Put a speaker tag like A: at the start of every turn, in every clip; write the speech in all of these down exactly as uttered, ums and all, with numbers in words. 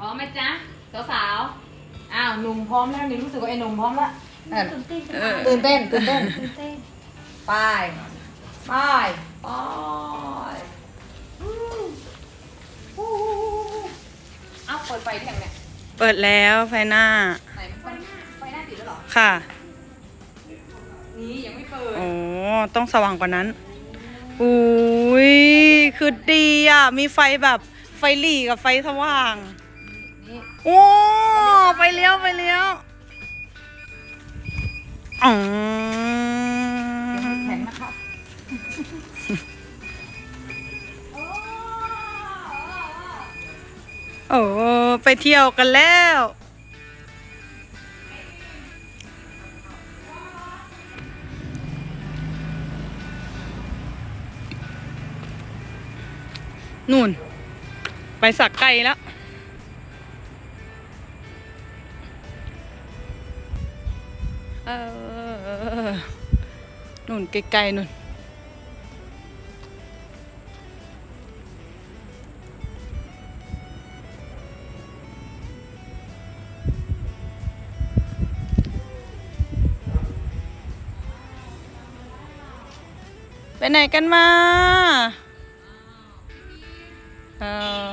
A: ร้อมไหมจ๊ะสาวๆอ้าวหนุ่มพร้อมแล้วนี่รู้สึกว่าไอ้หนุ่มพร้อมแล้วตื่นเต้นตื่นเต้นตื่นเต้นตื่นเต้นไปไปไปเอ้าเปิดไฟได้ยังเนี่ย
B: เปิดแล้วไฟหน้า
A: ไหนไฟหน้าไฟหน้าติดแล้วเหรอ
B: ค่ะ
A: นี่ยังไม่เปิด
B: โอ้ต้องสว่างกว่านั้นอุ้ยคือดีอ่ะมีไฟแบบไฟหลีกับไฟสว่างโอ้ไฟเลี้ยวไฟเลี้ยวอ๋อ
A: แข็งนะครับ
B: โอ้ไปเที่ยวกันแล้วนู่นไปสักไก่แล้วเออนู่นไกลๆนู่นไปไหนกันมาเออ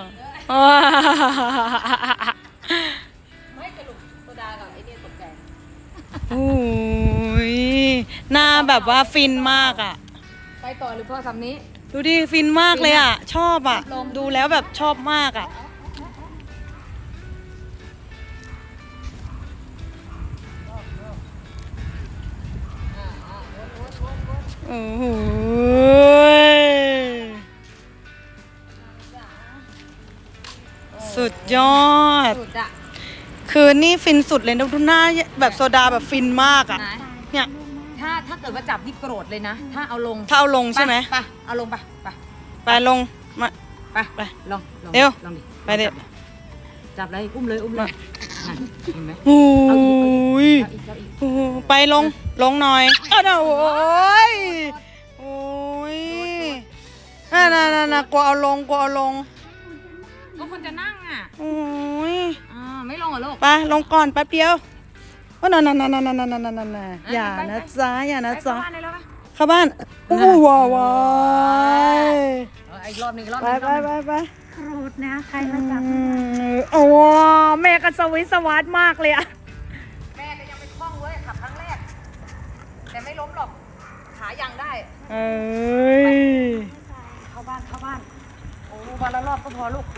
A: ไม่กระลุกโซดากับไอเนี่ยตกใจ
B: โอ้ยหน้าแบบว่าฟินมากอ่ะ
A: ไปต่อหรือพ่อคำนี้
B: ดูดิฟินมากเลยอ่ะชอบอ่ะดูแล้วแบบชอบมากอ่ะโอ้โหสุดยอดคือนี่ฟินสุดเลยนะดูหน้าแบบโซดาแบบฟินมากอ่ะเนี่ย
A: ถ้าถ้าเกิดว่าจับนี่โกรธเลยนะถ้าเอาลง
B: ถ้าเอาลงใช่ไหม
A: ไปเอาลงไปไป
B: ไปลงมา
A: ไปไปลง
B: เร็ว
A: ลงดิ
B: ไปเด็ด
A: จับเลยอุ้มเลยอุ้มเลยเห็นไหม
B: โอ้ยไปลงลงหน่อยอ้าวโอ้ยโอ้ยน่าน่าน่ากลัวเอาลงกลัวเอาลง
A: ก็คนจะนั่งอ่ะ
B: โอ้ย
A: อ่าไม่ลงเหรอลูก
B: ไปลงก่อนแป๊บเดียวว่านั่นนั่นนั่นนั่นนั่นนั่นนั่นอย่านะจ๊ะอย่านะจ๊ะเข้าบ้านอู้ว้าวว้าย
A: อีกรอบนึงรอบ
B: นึงไปไปไป
C: ครูดนะใครมาจับ
B: โอ้แม่ก็สวิสวัสดมากเลยอะ
A: แม่ก็ยังไม่คล่องเว้ยขับครั้งแรกแต่ไม่ล้มหรอกขายังได้
B: เอ้ย
A: เข้าบ้านเข้าบ้านโอ้วันละรอบก็พอลูก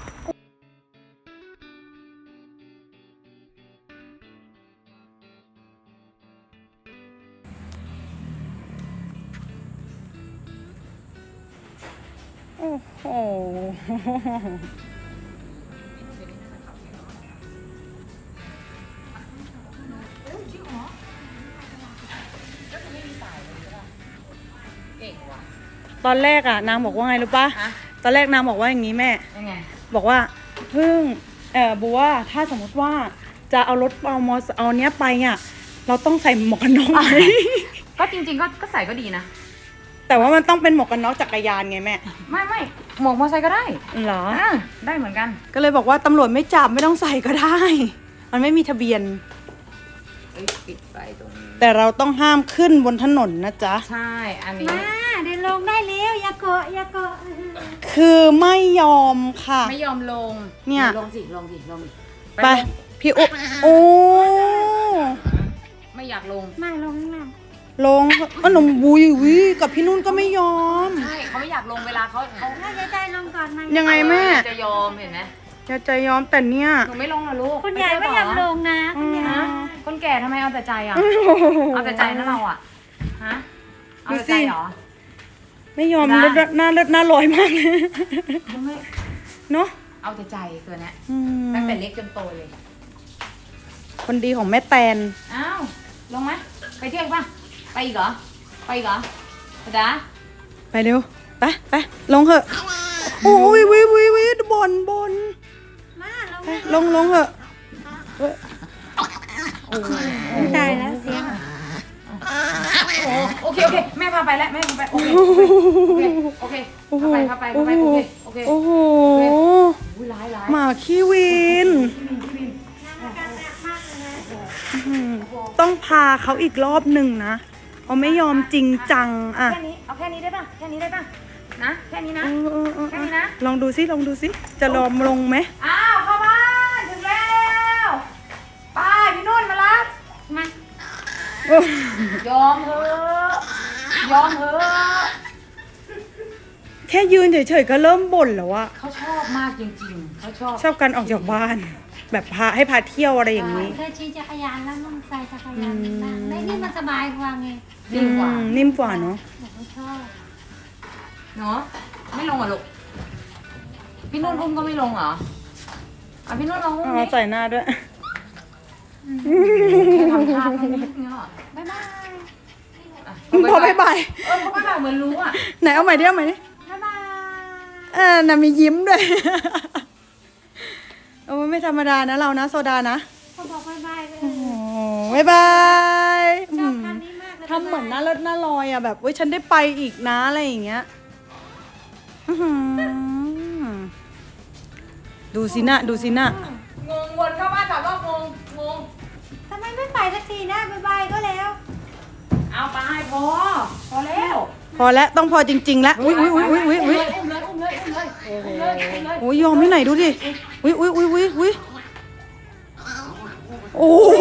B: โอ้โหตอนแรกอะนางบอกว่าไงรู้ปะตอนแรกนางบอกว่าอย่างนี้แม่บอกว่าเพิ่งเออบัวถ้าสมมติว่าจะเอารถเอามอเอาเนี้ยไปอะเราต้องใส่หมวกกันน็อกไหม
A: ก็จริงๆก็ก็ใส่ก็ดีนะ
B: แต่ว่ามันต้องเป็นหมวกกันน็อกจักรยานไงแม่
A: ไม่ไม่หมวกมอเตอร์ไซค์ก็ได้
B: เหรอ
A: ได้เหมือนกัน
B: ก็เลยบอกว่าตำรวจไม่จับไม่ต้องใส่ก็ได้มันไม่มีทะเบียน
A: ปิดไฟตรงนี้
B: แต่เราต้องห้ามขึ้นบนถนนนะจ๊ะ
A: ใช่อันนี้
C: มาเดินลงได้แล้วอย่าเกาะอย่าเกาะ
B: คือไม่ยอมค่ะ
A: ไม่ยอมลง
B: เนี่ย
A: ลงสิลงสิลง
B: ไปพี่อุ๊โอ้
A: ไม่อยากลง
C: ไม่ลงข้างล่าง
B: ลงอ๋อหนุ่มบุยวิกับพี่นุ่นก็ไม่ยอม
A: ใช่เขาไม่อยากลงเวลาเขาเขา
C: ใจใจลงก่อน
B: ยังไงแม่
A: จะยอมเห็นไหม
B: จะใจยอมแต่เนี้ย
A: หนูไม่ลงหรอลูก
C: คุณยายไม่ยอมลงนะคุณยาย
A: คนแก่ทำไมเอาแต่ใจอ่ะเอาแต่ใจนะเราอ่ะฮะเอาแต่ใจเหรอ
B: ไม่ยอมเลือดหน้าเลือดหน้าลอยมากเลยเนาะ
A: เอาแต่ใจตัวเนี้ยตั้งแต่เล็กจนโตเลย
B: คนดีของแม่แตน
A: อ้าวลงไหมไปเที่ยวป่ะไปอีกเหรอไปอีกเหรอจ๊ะ
B: ไปเร็วไปไปลงเถอะโอ้ยวิววิววิบนบน
C: มา
B: ลงลงเถอะ
C: ตายแล้วเสียง
A: โอเคโอเคแม่พาไปแล้วแม่พาไปโอเคโอเคโอเคพาไปพาไปพาไปโอเคโอเคเค
B: โอ้โห
A: อุ้ยร้ายร้าย
B: หมาขี้วินอืมต้องพาเขาอีกรอบหนึ่งนะเขาไม่ยอมจริงจังอะ
A: แค่นี้เอาแค่นี้ได้ป่ะแค่นี้ได้ป่ะนะแค่นี้นะ
B: เออเออเออ
A: แค่นี้นะ
B: ลองดูซิลองดูซิจะลอมลงไหม
A: อ้าวเข้าบ้านถึงแล้วไป้าพี่นุ่นมารับ
C: มา
A: ยอมเถอะยอมเถอะ
B: แค่ยืนเฉยๆก็เริ่มบ่นแล้วอะ
A: เขาชอบมากจริงๆเขาชอบ
B: ชอบการออกจากบ้าน แบบพาให้พาเที่ยวอะไรอย่างนี้
C: เคยขี่จักรยานแล้วมันใส่จักรยานบ้างได้นี่มันสบายกว่าไง
A: ดีกว่า
B: อืมนิ่มกว่าเนาะ
C: บอกว่าชอบ
A: เนาะไม่ลงเหรอลูกพี่นุ่นอุ้มก็ไม่ลงเหรออ่ะพี่นุ่นลองอุ้ม
B: อ๋
A: ดิ
B: อใส่หน้าด้วย
A: แค่ทำท่าแค่นี้เงี้ย
C: บ๊ายบาย
A: อ่ะ
B: พอบ๊ายบาย
A: เออเขาไม่แบบเหมือนรู้อ่ะ
B: ไหนเอาใหม่ดิเอาใหม่ดิ
C: บ๊ายบาย
B: เออน่ะมียิ้มด้วย โอ้ไม่ธรรมดานะเรานะโซดานะ
C: เขาบอกบ๊ายบายเลย
B: โอ้บ๊ายบาย
C: ชอบคันนี้มากเลย
B: ทำเหมือนหน้าเลิศหน้าลอยอ่ะแบบเว้ยฉันได้ไปอีกนะอะไรอย่างเงี้ยอื้อหือดูสินะดูสินะ
A: งงวนเข้าบ้านแต่ว่างงงง
C: ทำไมไม่ไปสักทีนะบ๊ายบายก็แล้ว
A: เอาไปพอพอแล้ว
B: พอแล้วต้องพอจริงๆแล้วอุ้ยอุ้ยอุ้ยอุ้ยอุ้ยอุ้ย
A: อุ้มเลยอุ้มเลยอุ้มเลยอุ้มเลยอุ้มเลย
B: โอ้ยยอมไม่ไหนดูดิอุ้ยอุ้ยอุ้ยอุ้ยอุ้ยโอ้โห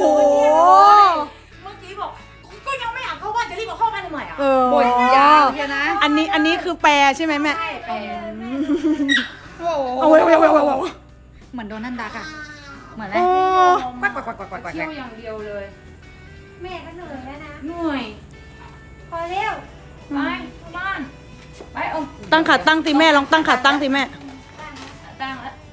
A: เมื่อกี้บอกก็ยังไม่อยากเข้าบ้านจะรีบเอาเข้าบ้านทำไมอ่ะ
B: เออ
A: บ่นยาวเชียวนะ
B: อันนี้อันนี้คือแปรใช่ไหมแม่
A: ใช่เป็น
B: เอาไว้เอาไว้เอาไว้เอาไว้
C: เหมือนโดนัลด์ดักอะเหมือนไหม
B: โอ้
A: ปักปักปักปักปักปักเที่ยวอย่างเดียวเลย
C: แม่ก็เหนื่อยแล้วนะ
A: เหนื่อย
C: พอเร็ว
A: ไปเข้าบ้านไปเอา
B: ตั้งขาตั้งสิแม่ลองตั้งขาตั้งสิแม่
A: ตั้งแล้ว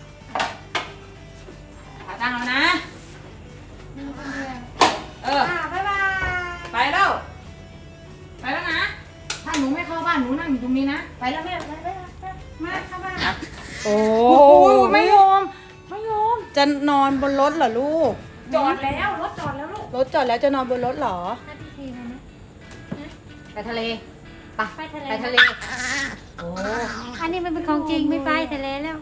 A: ขาตั้งแล้วนะ
C: มีคนเดียว
A: เออ
C: อ่าบ๊ายบาย
A: ไปแล้ว ไปแล้วนะ ถ้าหนูไม่เข้าบ้านหนูนั่งอยู่ตรงนี้นะ ไปแล้วแม่
C: ไปไปไปมาเข้าบ้าน
B: โอ้
A: โอ้ยไม่ยอม ไม่ยอม
B: จะนอนบนรถเหรอลูก
A: จอดแล้วรถจอดแล้วลูก
B: รถจอดแล้วจะนอนบนรถเหรอ
C: ให้พี่ทีมาไหม
A: ไปทะเลไป
C: ไปทะเล
A: ไปทะเล โอ้
C: อันนี้มันเป็นของจริงไม่ไปทะเลแล้ว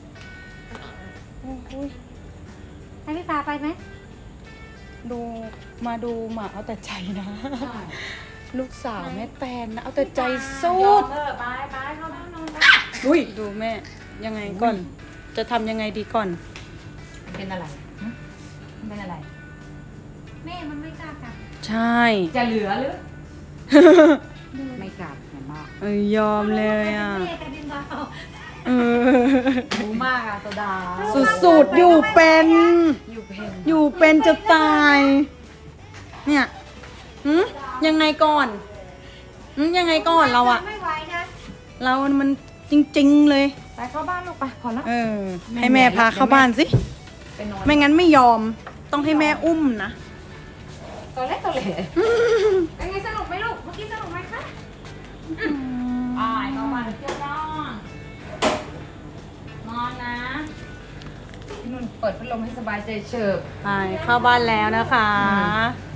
C: ให้พี่พาไปไหม
B: ดูมาดูหมาเอาแต่ใจนะ ลูกสาวแม่แตนนะเอาแต่ใจสุ
A: ยอ
B: ด
A: มเออไปไปเข้าบ้านนอนไป
B: อุ้ยดูแม่ยังไงก่อน จะทำยังไงดีก่อน
A: เป็นอะไรหึมันเป็นอะไร
C: แม่มันไม่กล้ากลับ
B: ใช่
A: จะเหลือหรือ ไม่กลับเห็นมาก
B: เอ้ยยอมเลยอ่ะ
C: แม่กับดินดาว
B: เออ
A: รู้มากอะโซดา
B: สุดๆอยู่เป็น
A: อยู่เพน
B: อยู่เป็นจะตาย เนี่ยหืมยังไงก่อนหืมยังไงก่อนเราอะ
C: ไม่ไหวนะ
B: เรามันจริงๆเลย
A: ไปเข้าบ้านลูกไปพอแล้ว
B: เออ ให้แม่พาเข้าบ้านสิ
A: ไปนอน
B: ไม่งั้นไม่ยอม ต้องให้แม่อุ้มนะ
A: ตัวเล็กตัวเล็กเป็นไงสนุกไหมลูก เมื่อกี้สนุกไหมคะไปเข้าบ้านเที่ยวนอนนอนนะพี่นุ่นเปิดพัดลมให้สบายใจเฉิบ
B: ไปเข้าบ้านแล้วนะคะ
A: อื